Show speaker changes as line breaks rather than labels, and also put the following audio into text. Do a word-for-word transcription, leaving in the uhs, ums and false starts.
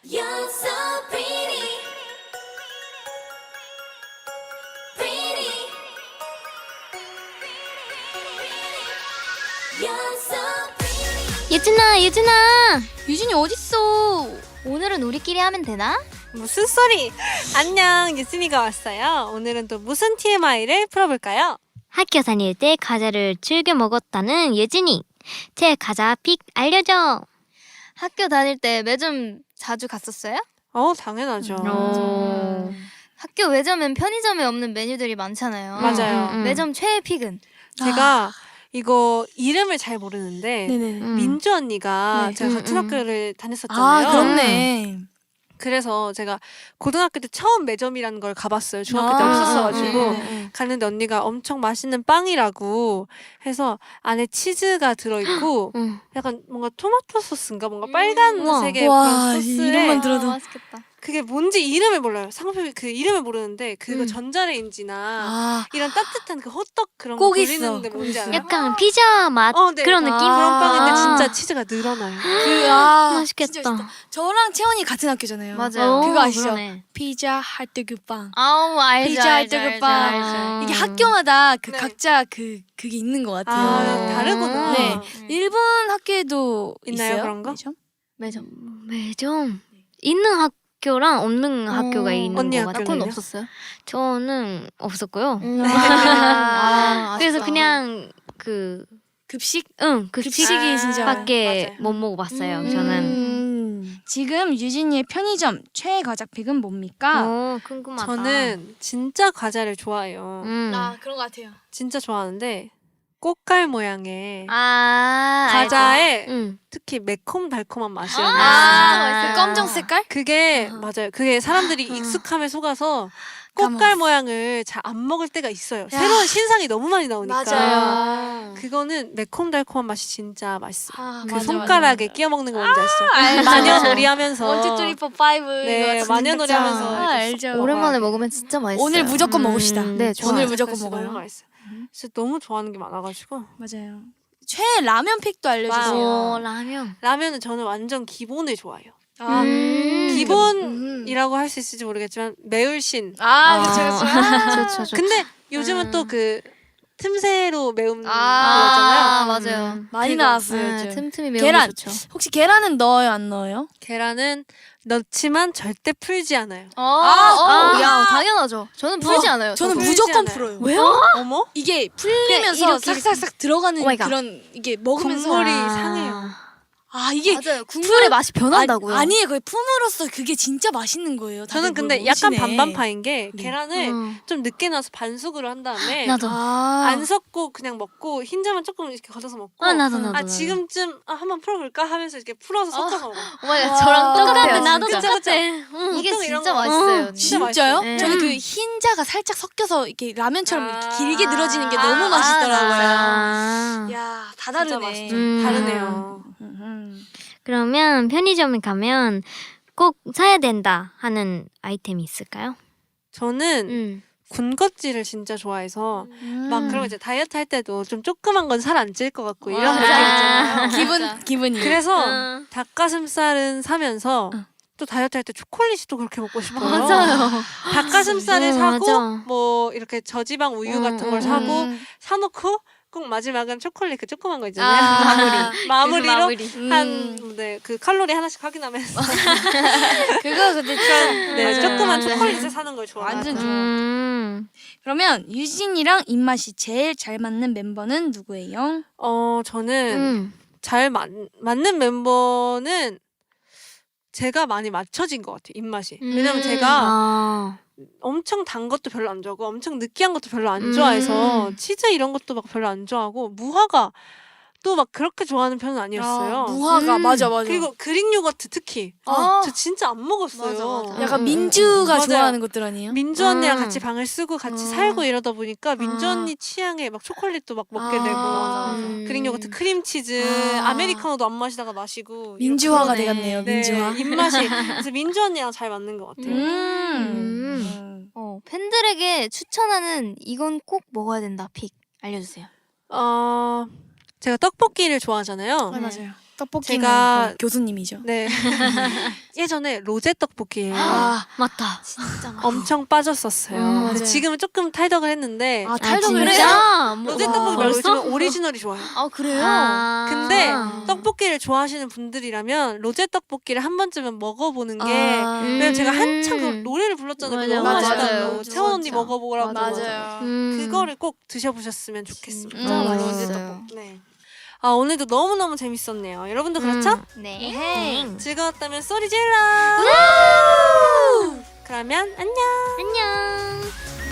You're so pretty, pretty. You're so pretty.
유진아, 유진아.
유진이 어딨어?
오늘은 우리끼리 하면 되나?
무슨 소리? 안녕, 유진이가 왔어요. 오늘은 또 무슨 티엠아이를 풀어볼까요?
학교 다닐 때 과자를 즐겨 먹었다는 예진이. 제 과자 픽 알려줘.
학교 다닐 때 매점 자주 갔었어요?
어, 당연하죠.
오.
학교 매점엔 편의점에 없는 메뉴들이 많잖아요.
맞아요.
음, 음.
매점 최애 픽은?
제가 이거 이름을 잘 모르는데
네네.
음.
민주 언니가
네.
제가
음,
같은
음.
학교를 다녔었잖아요.
아, 그렇네.
그래서 제가 고등학교 때 처음 매점이라는 걸 가봤어요. 중학교 때
아,
없었어가지고
네, 네, 네.
갔는데 언니가 엄청 맛있는 빵이라고 해서 안에 치즈가 들어있고
응.
약간 뭔가 토마토 소스인가 뭔가 빨간색의
우와,
그런 소스에
이름만 들어도.
맛있겠다.
그게 뭔지 이름을 몰라요. 상품이 그 이름을 모르는데 그거
음.
전자레인지나
아,
이런 따뜻한 그 호떡 그런 거
꼭 있어,
돌리는데
꼭
뭔지
있어.
알아요?
약간 피자 맛
어, 네.
그런
아,
느낌?
그런 빵인데
아.
진짜 치즈가 늘어나요.
그, 아,
맛있겠다.
진짜 맛있다. 저랑 채원이 같은 학교잖아요.
맞아요.
그거 아시죠?
그러네.
피자 핫도그 빵.
아우 알죠.
피자
알죠,
핫도그
알죠,
빵.
알죠.
이게 학교마다 그
네.
각자 그 그게 있는 것 같아요.
아, 다르구나.
네. 일본 학교에도
있나요,
있어요?
그런 거?
매점?
매점.
매점 있는 학교랑 없는 학교가 있는
언니
것 같아요.
학교는요?
그건 없었어요?
저는 없었고요.
아,
그래서
아쉽다.
그냥 그
급식?
응, 급식
급식이 진짜.
밖에
맞아요.
못 먹어봤어요.
음.
저는.
음. 지금 유진이의 편의점 최애 과자픽은 뭡니까?
오, 궁금하다.
저는 진짜 과자를 좋아해요.
음.
아, 그런 것 같아요.
진짜 좋아하는데 꽃갈 모양의
아,
과자에
응.
특히 매콤달콤한 맛이에요.
아,
그 검정 색깔?
그게
아하.
맞아요. 그게 사람들이
아.
익숙함에 속아서 꽃갈
까먹었어.
모양을 잘 안 먹을 때가 있어요.
야.
새로운 신상이 너무 많이 나오니까.
맞아요.
그거는 매콤달콤한 맛이 진짜 맛있어요.
아,
그
맞아,
손가락에
맞아.
끼워 먹는 거 뭔지 아시죠?
알죠.
마녀놀이 하면서.
원투 쓰리 포 파이브.
네,
이거
마녀놀이
진짜.
하면서
아,
이렇게
알죠.
오랜만에 먹으면 진짜 맛있어요.
오늘 무조건
음,
먹읍시다.
네, 좋아요.
오늘 무조건
진짜
먹어요.
너무 맛있어요. 진짜 너무 좋아하는 게 많아가지고.
맞아요. 최애 라면 픽도 알려주세요.
오, 라면.
라면은 저는 완전 기본을 좋아해요.
아,
음.
기본이라고 할 수 있을지 모르겠지만 매울신.
아, 그쵸, 그쵸.
좋죠, 좋죠.
근데 요즘은 또 그 틈새로 매운
아,
거였잖아요.
맞아요.
음, 많이
그거.
나왔어요,
네,
요즘.
틈틈이 매운
계란.
게 좋죠.
혹시 계란은 넣어요, 안 넣어요?
계란은 넣지만 절대 풀지 않아요.
아,
아.
어, 야, 당연하죠. 저는 풀지 않아요.
저는
풀지
무조건
않아요.
풀어요.
왜요? 어머?
이게 풀리면서
이렇게, 이렇게.
싹싹싹 들어가는
오 마이 갓.
그런 이게 먹으면서
국물이
아.
상해요.
아 이게
맞아요. 국물의 맛이 변한다고요.
아니, 아니에요. 그게 품으로써 그게 진짜 맛있는 거예요. 다들
저는 근데
뭘
약간
모르시네.
반반파인 게
네.
계란을
음.
좀 늦게 넣어서 반숙으로 한 다음에
나도.
아,
안 섞고 그냥 먹고 흰자만 조금 이렇게 걷어서 먹고
아, 나도, 나도.
아
나도.
지금쯤 아, 한번 풀어볼까 하면서 이렇게 풀어서 섞어서 먹어.
오마이갓,
와.
저랑
똑같아.
똑같아요.
나도
진짜.
똑같아.
그쵸,
응.
이게
보통 이런
진짜
거.
맛있어요.
어,
진짜.
진짜요?
네.
저는 그 흰자가 살짝 섞여서 이렇게 라면처럼
아.
이렇게 길게 늘어지는 게
아,
너무
아,
맛있더라고요.
아.
야, 다
진짜
다르네.
맛있죠.
음.
다르네요.
음, 음.
그러면 편의점에 가면 꼭 사야 된다 하는 아이템이 있을까요?
저는
음.
군것질을 진짜 좋아해서
음.
막 그런 거 이제 다이어트 할 때도 좀 조그만 건 살 안 찔 것 같고 이런
아.
느낌 있잖아요.
기분 기분이.
그래서
음.
닭가슴살은 사면서
어.
또 다이어트 할 때 초콜릿이 또 그렇게 먹고 싶어요.
맞아요.
닭가슴살을
음,
사고
맞아.
뭐 이렇게 저지방 우유
음,
같은
음,
걸 사고
음.
사놓고 꼭 마지막은 초콜릿 그 조그만 거 있잖아요.
아,
마무리. 마무리로
음.
한 네, 그 칼로리 하나씩 확인하면서
그거 근데 참
네,
맞아요,
조그만
맞아요.
초콜릿을 사는 걸 좋아해요.
완전 좋아.
음.
그러면 유진이랑 입맛이 제일 잘 맞는 멤버는 누구예요?
어 저는
음.
잘 맞, 맞는 멤버는 제가 많이 맞춰진 것 같아요. 입맛이. 왜냐면
음.
제가
아.
엄청 단 것도 별로 안 좋아하고 엄청 느끼한 것도 별로 안
음.
좋아해서 치즈 이런 것도 막 별로 안 좋아하고 무화과 또 막 그렇게 좋아하는 편은 아니었어요.
아, 무화과
음.
맞아 맞아.
그리고 그릭 요거트 특히
아.
저 진짜 안 먹었어요.
맞아, 맞아.
약간
음,
민주가
음, 음.
좋아하는 것들 아니에요?
민주 언니랑
음.
같이 방을 쓰고 같이
아.
살고 이러다 보니까 민주
아.
언니 취향에 막 초콜릿도 막 먹게
아.
되고
맞아, 맞아.
음.
그릭 요거트 크림치즈
아.
아메리카노도 안 마시다가 마시고
민주화가
그러네.
돼갔네요.
이렇게. 네,
민주화.
입맛이 그래서 민주 언니랑 잘 맞는 것 같아요.
음.
음.
어, 팬들에게 추천하는 이건 꼭 먹어야 된다 픽 알려주세요.
어 제가 떡볶이를 좋아하잖아요.
아, 맞아요. 떡볶이는
제가-
거의 교수님이죠.
네. 예전에 로제 떡볶이에
아,
맞다.
진짜 맛.
엄청 빠졌었어요.
음,
근데
맞아요.
지금은 조금 탈덕을 했는데
아
아,
탈덕을 해요?
진짜? 뭐-
로제
와,
떡볶이 말고
벌써?
요즘은 오리지널이 좋아요.
아 그래요?
아.
근데
아.
떡볶이를 좋아하시는 분들이라면 로제 떡볶이를 한 번쯤은 먹어보는 게
아,
왜냐면 제가 한참 그
음.
노래를 불렀잖아요.
맞아,
너무
맞아요.
맛있다고.
맞아,
채원 언니
진짜.
먹어보라고.
맞아요.
음.
그거를 꼭 드셔보셨으면 좋겠습니다.
진짜
음.
맛있어요.
네. 아 오늘도 너무너무 재밌었네요. 여러분도 그렇죠?
음.
네.
즐거웠다면 소리 질러! 그러면 안녕!
안녕.